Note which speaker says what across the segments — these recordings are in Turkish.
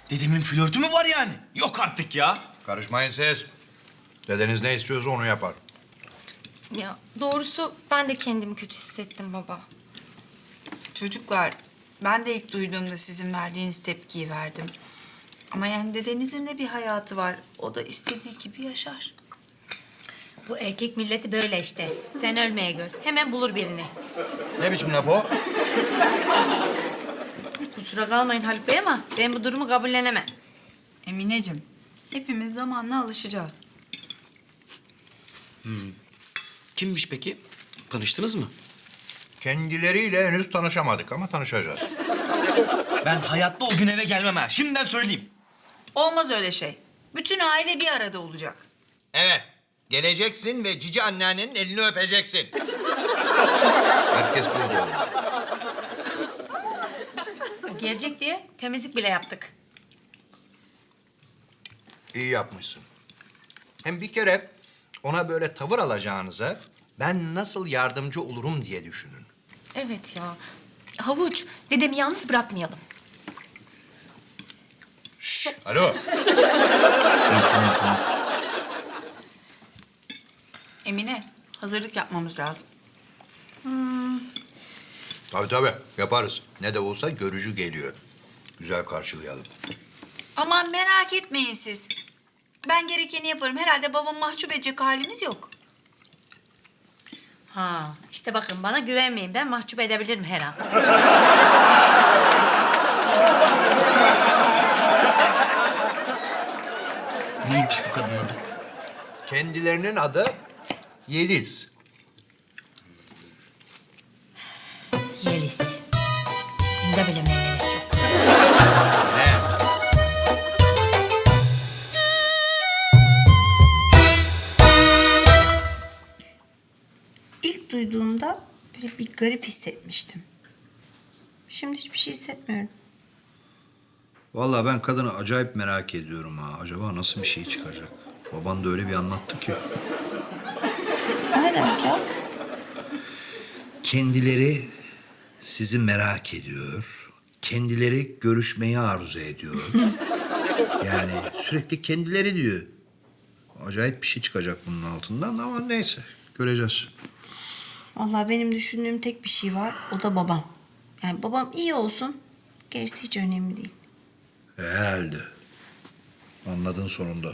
Speaker 1: Dedemin flörtü mü var yani? Yok artık ya.
Speaker 2: Karışmayın siz. Dedeniz ne istiyorsa onu yapar.
Speaker 3: Ya doğrusu ben de kendimi kötü hissettim baba.
Speaker 4: Çocuklar, ben de ilk duyduğumda sizin verdiğiniz tepkiyi verdim. Ama yani dedenizin de bir hayatı var. O da istediği gibi yaşar.
Speaker 5: Bu erkek milleti böyle işte. Sen ölmeye gör. Hemen bulur birini.
Speaker 2: Ne biçim laf o?
Speaker 5: Kusura kalmayın Haluk Bey ama ben bu durumu kabullenemem.
Speaker 4: Emineciğim, hepimiz zamanla alışacağız.
Speaker 1: Kimmiş peki? Tanıştınız mı?
Speaker 2: Kendileriyle henüz tanışamadık ama tanışacağız.
Speaker 1: Ben hayatta o gün eve gelmem ha. Şimdiden söyleyeyim.
Speaker 4: Olmaz öyle şey. Bütün aile bir arada olacak.
Speaker 2: Evet. Geleceksin ve cici anneannenin elini öpeceksin. Herkes burada.
Speaker 5: O gelecek diye temizlik bile yaptık.
Speaker 2: İyi yapmışsın. Hem bir kere ona böyle tavır alacağınıza ben nasıl yardımcı olurum diye düşünün.
Speaker 3: Evet ya. Havuç, dedemi yalnız bırakmayalım.
Speaker 2: Şşş, alo.
Speaker 1: Tamam.
Speaker 4: Emine, hazırlık yapmamız lazım.
Speaker 2: Tabii yaparız. Ne de olsa görücü geliyor. Güzel karşılayalım.
Speaker 4: Aman merak etmeyin siz. Ben gerekeni yaparım. Herhalde babam mahcup edecek halimiz yok.
Speaker 5: Ha, işte bakın bana güvenmeyin. Ben mahcup edebilirim her an.
Speaker 1: Neymiş bu kadının adı?
Speaker 2: Kendilerinin adı Yeliz.
Speaker 5: Yeliz. İsminde bile memnuniyet yok.
Speaker 4: İlk duyduğumda böyle bir garip hissetmiştim. Şimdi hiçbir şey hissetmiyorum.
Speaker 2: Vallahi ben kadını acayip merak ediyorum ha. Acaba nasıl bir şey çıkacak? Baban da öyle bir anlattı ki.
Speaker 4: O ne demek ya?
Speaker 2: Kendileri sizi merak ediyor. Kendileri görüşmeyi arzu ediyor. Yani sürekli kendileri diyor. Acayip bir şey çıkacak bunun altından ama neyse göreceğiz.
Speaker 4: Vallahi benim düşündüğüm tek bir şey var. O da babam. Yani babam iyi olsun. Gerisi hiç önemli değil.
Speaker 2: Herhalde. Anladın sonunda.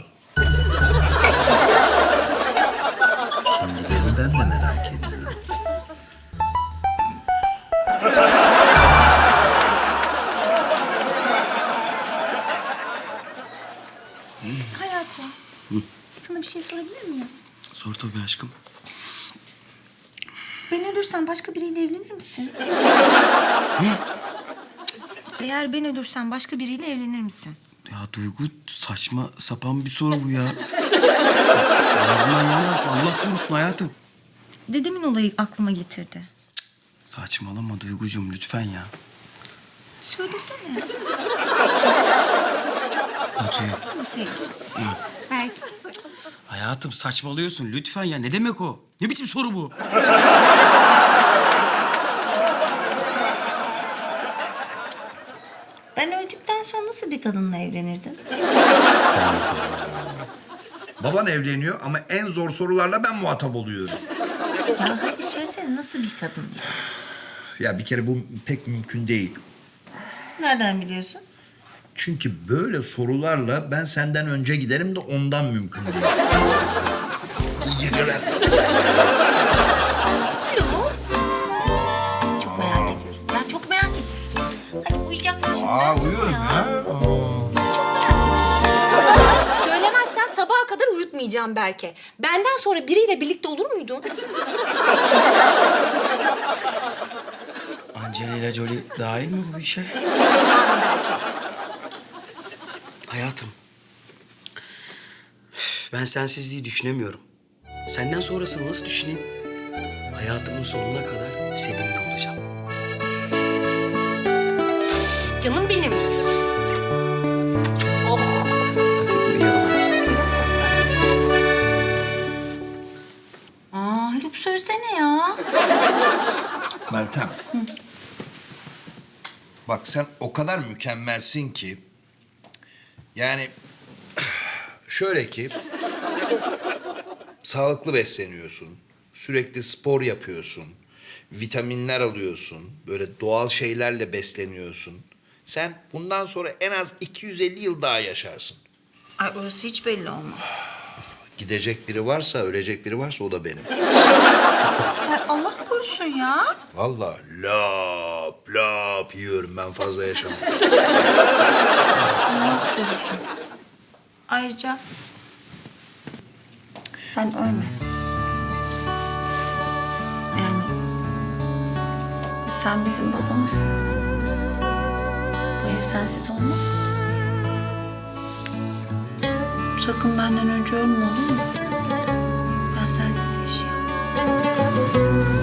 Speaker 2: Kendilerinden de merak ediyorum.
Speaker 3: Hayatım, sana bir şey sorabilir miyim?
Speaker 1: Sor tabii aşkım.
Speaker 3: Ben ölürsem başka biriyle evlenir misin? Eğer ben ölürsem başka biriyle evlenir misin?
Speaker 1: Ya Duygu saçma sapan bir soru bu ya. Ağzından yanarsa Allah korusun hayatım.
Speaker 3: Dedemin olayı aklıma getirdi.
Speaker 1: Saçmalama Duygucuğum lütfen ya.
Speaker 3: Söylesene.
Speaker 1: Hadi.
Speaker 3: Nasıl? Belki.
Speaker 1: Hayatım saçmalıyorsun lütfen ya. Ne demek o? Ne biçim soru bu?
Speaker 4: Ben öldükten sonra nasıl bir kadınla evlenirdin?
Speaker 2: Baban evleniyor ama en zor sorularla ben muhatap oluyorum.
Speaker 4: Ya hadi söylesene nasıl bir kadın ya?
Speaker 2: Ya bir kere bu pek mümkün değil.
Speaker 4: Nereden biliyorsun?
Speaker 2: Çünkü böyle sorularla ben senden önce giderim de ondan mümkün değil. İyi geceler.
Speaker 4: Alo. Çok merak ediyorum. Ben çok merak ediyorum. Hani uyuyacaksın şimdi.
Speaker 2: Uyuyorum ya.
Speaker 3: Söylemezsen sabaha kadar uyutmayacağım Berke. Benden sonra biriyle birlikte olur muydun?
Speaker 1: Angelina Jolie dahil mi bu işe? Hayatım. Ben sensizliği düşünemiyorum. Senden sonrasını nasıl düşüneyim? Hayatımın sonuna kadar seninle olacağım.
Speaker 3: Canım benim. Oh.
Speaker 1: Hadi uyuyalım hayatım.
Speaker 4: Aa Haluk söylesene ya.
Speaker 2: Meltem. Bak sen o kadar mükemmelsin ki Yani şöyle ki sağlıklı besleniyorsun, sürekli spor yapıyorsun, vitaminler alıyorsun, böyle doğal şeylerle besleniyorsun. Sen bundan sonra en az 250 yıl daha yaşarsın.
Speaker 4: Ay orası hiç belli olmaz.
Speaker 2: Gidecek biri varsa, ölecek biri varsa o da benim.
Speaker 4: Ay Allah korusun ya.
Speaker 2: Vallahi lap lap yiyorum, ben fazla yaşamam.
Speaker 4: Allah korusun. Ayrıca ben ölmem. Yani sen bizim babamızsın. Bu ev sensiz olmaz. Sakın benden önce ölme olur mu? Ben sensiz yaşayamam.